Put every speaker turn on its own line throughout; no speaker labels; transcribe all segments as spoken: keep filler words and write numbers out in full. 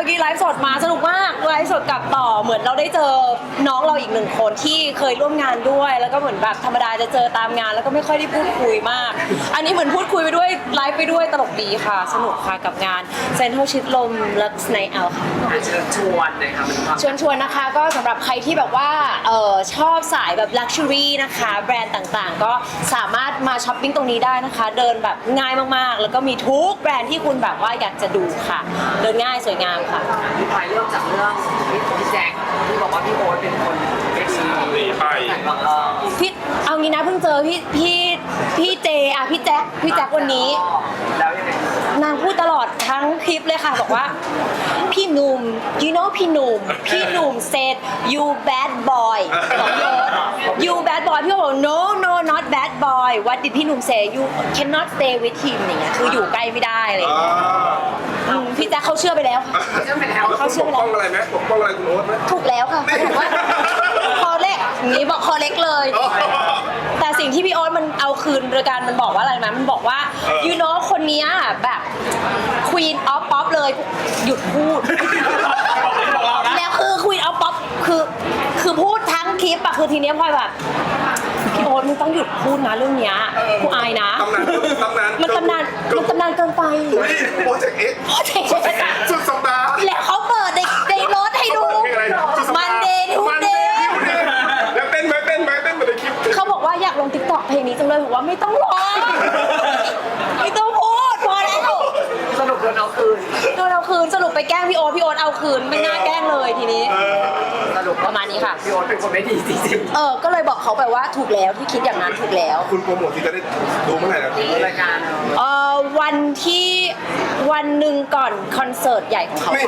มื่อกี้ไลฟ์สดมาสนุกมากไลฟ์สดกลับต่อเหมือนเราได้เจอน้องเราอีกหนึ่งคนที่เคยร่วมงานด้วยแล้วก็เหมือนแบบธรรมดาจะเจอตามงานแล้วก็ไม่ค่อยได้พูดคุยมาก อันนี้เหมือนพูดคุยไปด้วยไลฟ์ไปด้วยตลกดีค่ะสนุกค่ะกับงานเซ็นทรัลชิดลมลักไนท์เอาค่ะ
เชิญชวนเลยค่ะมันความ
ชวนชวนนะคะก็สำหรับใครที่แบบว่าเออชอบสายแบบลักชัวรี่นะคะแบรนด์ต่างๆ ก็สามารถมาช้อปปิ้งตรงนี้ได้นะคะ เดินแบบง่ายมากๆ แล้วก็มีทุกแบรนด์ที่คุณแบบว่าอยากจะดูค่ะ เดินง่ายสวยงามค่ะ
พี่พลอยเริ่มจากเรื่องพี่พี่แจ็คที่บอกว่าพี่โอ๊ตเป็นคนไม่ดี
หนีไป
บังเอิญ
พี่เอางี้นะเพิ่งเจอพี่พี่พี่เจอ่ะพี่แจ็คพี่แจ็ควันนี้
แล้วยังไง
นางพูดตลอดทั้งคลิปเลยค่ะบอกว่าพี่หนุ่ม you know พี่หนุ่มพี่หนุ่ม said you bad boy บอกพี่โอ๊ต you bad boy พี่โอ๊ตบอก no no not bad boy what did พี่หนุ่ม say you cannot stay with him อย่างเงี้ยคืออยู่ใกล้ไม่ได้อะไรอย่าง
อ่า
เงี้ยอืมพี่แจ๊คเขาเชื่อไปแล้วค่ะ
เชื่อไปแล้ว
แล้วคุณปกป้องอะไรไหมปกป้องอะไรคุณโอ๊ตไหม
ถูกแล้วค่ะเขาบอกว่าคอเล็กอย่างนี้บอกคอเล็กเลย แต่สิ่งที่พี่โอ๊ตมันเอาคืนโดยการมันบอกว่าอะไรนะมันบอกว่า you know คนเนี้ยแบบ queen of pop เลยหยุดพูด แล้วคือ queen of pop คือคือพูดทั้งคลิปอะคือทีเนี้ยพลอยแบบพี่โอ๊ตมึงต้องหยุดพูดนะเรื่องเนี้ยกูอายนะ
ตำนานตำนาน
มันตำนานมันตำนานเกินไป
อุ้ยโปรเจกต์เอ็กซ์
โปรเจกต์
สุดสัปดาห์
แล้วเขาเปิดในในรถให้ดู
เพลงอะไรสุดสัปดาห์
มันเดย์ทู
มัน
เด
เดย์
ย์
ทูเดย์แล้วเต้นไหมเต้นไหมเต้นเหมือนในคลิป
เขาบอกว่าอยากลงติ๊กต็อกเพลงนี้จังเลยบอกว่าไม่ต้องร้องไม่ต้องพูดพอแล้ว
สรุปโดนเอาคืน
โดนเอาคืนสรุปไปแกล้งพี่โอ๊ตพี่โอ๊ตเอาคืนไม่น่าแกล้งเลยทีนี้
เออ
สรุป
ประมาณนี้ค่ะ
พี่โอ๊ตเป็นคนไม่ดีจริง
เออก็เลยบอกเขาไปว่าถูกแล้วที่คิดอย่างนั้นถูกแล้ว
คุณโปรโมทที่จะได้ดูเมื่อไหร่นะพี่
ๆรายการ
เออวันที่วันหนึ่งก่อนคอนเสิร์ตใหญ่ของเขา
ไม่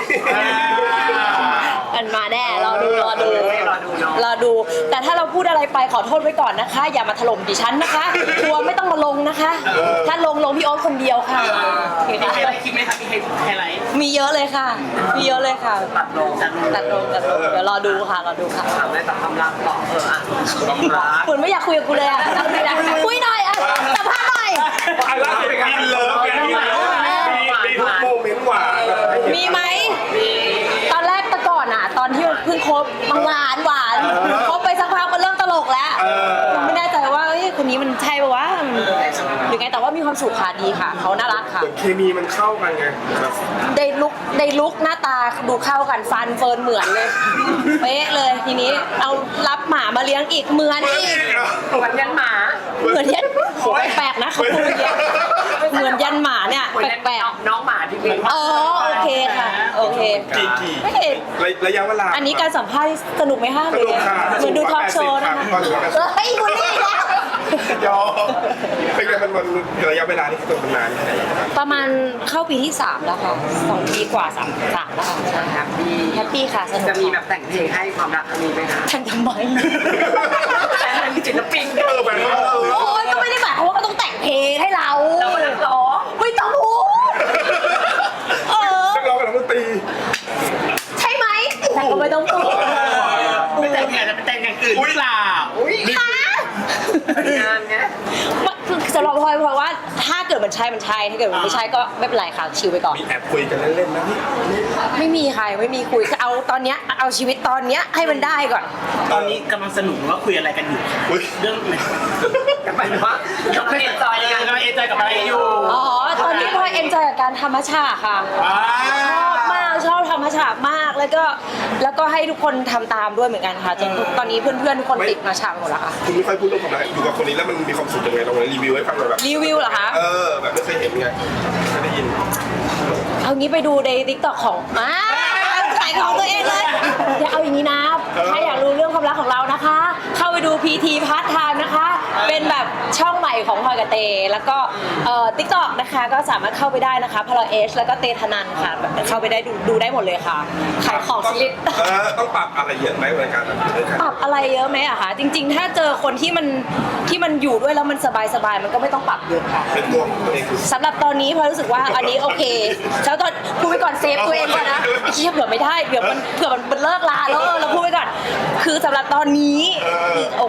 มันมาแน่รอดูรอดู
รอดูเนาะ
รอดู แต่ถ้าเราพูดอะไรไปขอโทษไว้ก่อนนะคะ อย่ามาถล่มดิฉันนะคะทัวร์ไม่ต้องมาลงนะคะ ถ้าลงลงพี่โอ๊ตคนเดียวค่ะ
มีไฮไลท์คลิปไหมคะมีไฮไลท์
มีเยอะเลยค่ะ มีเยอะเลยค่ะ
ตัดลง
ตัดลงตัดลงเดี๋ยวรอดูค่ะรอดูค่ะ
ถามได้แต่ความรักต่อเอออ่ะความรัก
เหมือนไม่อยากคุยกับกูเลยอ่ะคุยหน่อยอ่ะสัมภาษณ์หน่อย
ไอ้ล่าสุดเป็นการเลิฟกันมีมีทุกโมเมนต์หวาน
มีไหม ตอนแรกแต่ก่อนอ่ะ ตอนที่เพิ่งคบมันหวานหวานคบไปสักพักมันเริ่มตลกแล้วไม่แน่ใจว่าเอ้ยคนนี้มันใช่ปะวะหรือไงแต่ว่ามีความสุขค่ะดีค่ะเขาน่ารักค่ะ
เหมือนเคมีมันเข้ากันไงแบบ
ได้ลุกได้ลุกหน้าตาดูเข้ากันฟันเฟิร์นเหมือนเลยเป๊ะเลยทีนี้เอารับหมามาเลี้ยงอีกเหมือนอีก
เหมือนยันหมา
เหมือนยันโหแปลกๆนะเขาพูดอย่างเงี้ยเหมือนยันหมาเนี่ย
เหมือนยัน
แปลก
น้องหมาที่เลี้ยง
ๆอ๋อโอเคค่ะโอเค
กี่กี่
ไม่เห็น
ระยะเวลา
อันนี้การสัมภาษณ์สนุกไหมคะ
สนุกค่ะ
เหมือนดูทอล์กโชว์นะคะ
สนุกค่ะ
เฮ้ยบุลลี่แล้ว
ยอเป็นไงมันมันระยะเวลาที่คือมันนานแค่ไหนครับ
ประมาณเข้าปีที่สามแล้วค่ะสองปีกว่าสามสามแล้วค่ะใช่
แฮปปี้
แฮปปี้ค่ะสนุก
จะมีแบบแต่งเพลงให้ความรักครั้งนี้ไหมคะ
ทันทำไม
แต่เป็นศิลปิน
เออแบบว่าเออ
โอ้ยก็ไม่ได้หมายความว่าเขาต้องแต่งเพลงให้เรา
เราเป็นนักร้อง
ไม่ต้องพูดเออ
นักร้องกับนักดนตรี
ใช่ไหมแต่ก็ไม่ต้องพูด
ไม่แต่งงานจะไปแต่งอย่างอื่นหรือเปล่า
อุ้ย
ค่ะ
งานเนี้ย
คือสำหรับพลอยเพราะว่าถ้าเกิดมันใช่มันใช่ถ้าเกิดมันไม่ใช่ก็ไม่เป็นไรค่ะชิลไปก่อน
มีแอบคุยกันเล่นๆนะพี่
ไม่มีค่ะไม่มีคุยคือเอาตอนเนี้ยเอาชีวิตตอนเนี้ยให้มันได้ก่อน
ตอนนี้กำลังสนุกว่าคุยอะไรกันอยู่
อุ้ย
เรื่อง
กลับไปว่ากำลังเอ็นจอย
เอ
กั
อน กำลังเอนจอยกับอะไรอยู่
อ๋อ ตอนนี้พลอยเอนจอยกับการธรรมชาติค่ะ
อ่า
ชอบมากชอบธรรมชาติมากแล้วก็แล้วก็ให้ทุกคนทำตามด้วยเหมือนกันค่ะจนตอนนี้เพื่อนๆทุกคนติดมาชาหมดแล้วค่ะ
คุณไม่ค่อยพูดเรื่องความรักอยู่กับคนนี้แล้วมันมีความสุขยังไงลองรีวิวให้ฟังหน่อยแบบ
รีวิวเหรอคะ
เออแบบไม่เคยเห็นไงไม่ได้ยิน
เอางี้ไปดูในทิกตอกของมาขายของตัวเองเลยอย่าเอาอย่างนี้นะ ถ้าอยากรู้เรื่องความรักของเรานะคะ เข้าไปดู พี ที Part Time นะคะ เป็นแบบช่องใหม่ของพลอยกับเต แล้วก็เอ่อทิกตอกนะคะก็สามารถเข้าไปได้นะคะพลอยเอชแล้วก็เตธนันค่ะแบบเข้าไปได้ดูดูได้หมดเลยค่ะ ขายของชนิด
เออต้องปรับอะไรเยอะไหมในการแบบด้วยกัน
ปรับอะไรเยอะไหมอะคะจริง ๆ ถ้าเจอคนที่มันที่มันอยู่ด้วยแล้วมันสบายๆมันก็ไม่ต้องปรับเยอะค่ะ
เป็นตัวของตัวเองคือ
สำหรับตอนนี้พลอยรู้สึกว่าอันนี้โอเคแล้วตอนพูดไปก่อนเซฟตัวเองก่อนนะเชี่ยเผื่อไม่ได้เผื่อมันเผื่อมันเลิกลาแล้วเออเราพูดไปก่อน คือสำหรับตอนนี้คือโอ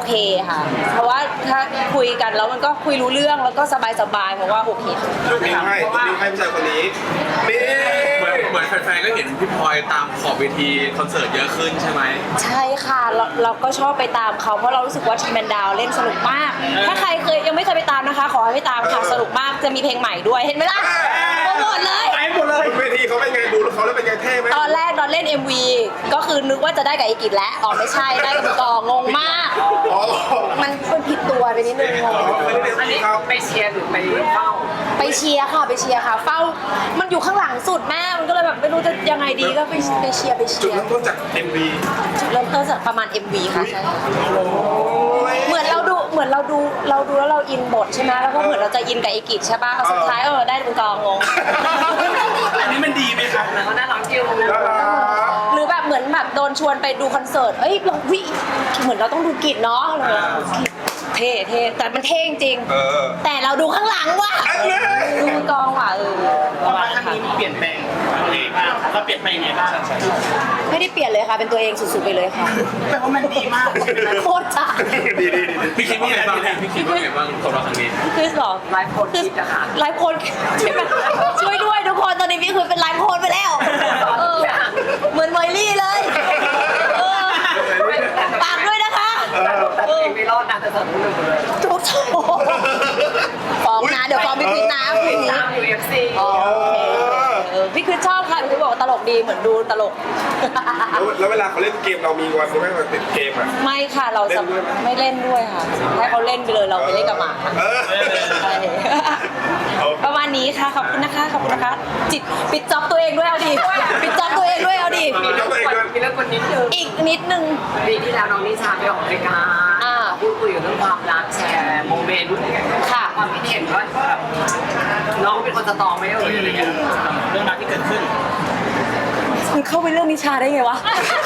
เคค่ะ เพราะว่าถ้าคุยกันแล้วมันก็คุยรู้เรื่องแล้วก็สบายๆเพราะว่าโอเค
ลูกนิ้วให้ลูกนิ้วให้ผู้ชายคนนี้นี่
เหมือนเหมือนแฟนๆก็เห็นพี่พลอยตามขอบเวทีคอนเสิร์ตเยอะขึ้นใช่ไหม
ใช่ค่ะเราเราก็ชอบไปตามเขาเพราะเรารู้สึกว่าทีมแมนดาวเล่นสนุกมาก ถ้าใครเคยยังไม่เคยไปตามนะคะ ขอให้ไปตามค่ะสนุกมากจะมีเพลงใหม่ด้วยเห็นไหมล่ะโปรโมทเลย
ไปหมดเลย
เวทีเขาเป็นไงดูเขาแล้วเป็นไงเท่ไหม
ตอนแรกตอนเล่น เอ็ม วี ก็คือนึกว่าจะได้กับไอกิจแล้วอ๋อไม่ใช่ได้กับกองงมาก
อ๋อ
มันเป็นผิดตัวไปนิดนึงงง
อันนี้ไปเชียร์หรือไปเฝ้า
ไปเชียร์ค่ะไปเชียร์ค่ะ เฝ้ามันอยู่ข้างหลังสุดแม่มันก็เลยแบบไม่รู้จะยังไงดีก็ไปไปเชียร์ไป
จุ
เชี
ด
ยร์
เริ่มต้นจาก เอ็ม วี
จุดเริ่มต้นจากประมาณ เอ็ม วี ค่ะใช่ค่ะ
โอ้ย
เหมือนเราดูเหมือนเราดูเราดูแล้วเราอินบทใช่ไหมแล้วก็เหมือนเราจะอินกับไอกิจใช่ป่ะสุดท้ายเออได้เป็นกองงง
อันนี้มันดีไหมคะ
แล้วก็น่ารักจิว
น่ารัก
หรือแบบเหมือนแบบโดนชวนไปดูคอนเสิร์ต เอ้ยเราวิเหมือนเราต้องดูกิจเนาะอะไรอย่างเงี้ยเท่เท่แต่มันเท่จริง
เออ
แต่เราดูข้างหลังว่ะ
อันนี้
ดูมือกองว่ะเออ
เพราะว่าครั้งนี้เปลี่ยนแปลงยังไงบ้างเราเปลี่ยนไปยังไงบ้าง
ไม่ได้เปลี่ยนเลยค่ะ เป็นตัวเองสุดๆไปเลยค่ะ
แปลว่ามันดีมาก
โคตรจ้า
ดีดีดี
พี่คิดว่าไงบ้างพี่คิดว่าไงบ้างสำหรับครั้งนี้
คือหรอ
ไลฟ์โพสต์
คือ
คิดนะคะ
ไลฟ์โค้ดใช่ไหมช่วยด้วยทุกคนตอนนี้พี่คือเป็นไลฟ์โค้ดไปแล้วเออเหมือนมอยลี่เลยเออฝากด้วยนะคะ
แต่ตัวเองไม่รอดนะแต่สนุกเลย
ทุกโชว์ฟ้องนะเดี๋ยวฟ้องพี่คริสนะคืนนี้
ตามยูเอฟซี
อ๋อเออพี่คริสชอบค่ะพี่คริสบอกว่าตลกดีเหมือนดูตลก
แล้วแล้วเวลาเขาเล่นเกมเรามีวันที่ไม่มาติดเกมอ่ะ
ไม่ค่ะเราจะ
เล่นด้วยไหม
ไม่เล่นด้วยค่ะให้เขาเล่นไปเลยเราไปเล่นกับหมา
เออ
ใช่ประมาณนี้ค่ะขอบคุณนะคะขอบคุณนะคะ จิตปิดจ็อบตัวเองด้วยเอาดิปิดจ็อบตัวเองด้วยเอาดิ
มีเรื่องคนมีเรื่องคนนิดนึง
อีกนิดนึง
ปีที่แล้วน้องนิชาไปออกรายการ
อ่า
พูดคุยเรื่องความรักแชร์โมเมนต์
ค่ะ
ความคิดเห็นว่าแบบน้องเป็นคนสตรองไหมเอ่ยอะไรเงี้ย
เรื่องราวที่เกิดขึ้น
มึงเข้าไปเรื่องนิชาได้ไงวะ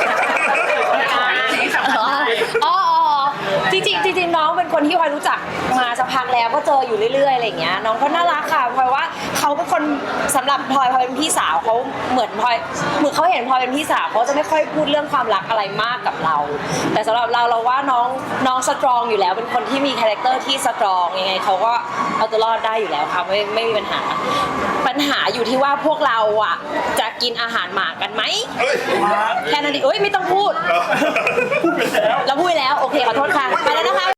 สิ่งสำคัญ
อ๋ออ๋อจริงๆจริงๆน้องเป็นคนที่พลอยรู้จักมาสักพักแล้วก็เจออยู่เรื่อยๆอะไรอย่างเงี้ยน้องก็น่ารักค่ะพลอยว่าเขาเป็นคนสำหรับพลอยพลอยเป็นพี่สาวเขาเหมือนพลอยเหมือนเขาเห็นพลอยเป็นพี่สาวเขาจะไม่ค่อยพูดเรื่องความรักอะไรมากกับเรา แต่สำหรับเราเราว่าน้องน้องสตรองอยู่แล้วเป็นคนที่มีคาแรคเตอร์ที่สตรองยังไงเขาก็เอาตัวรอดได้อยู่แล้วค่ะไม่ไม่มีปัญหา ปัญหาอยู่ที่ว่าพวกเราอ่ะจะกินอาหารหมากันไหม
เฮ้ย
แค่นั้นเองเอ้ยไม่ต้องพูด
พูดไปแล้ว
เราพูดไปแล้ว โอเค ขอโทษค่ะ ไปแล้วนะคะ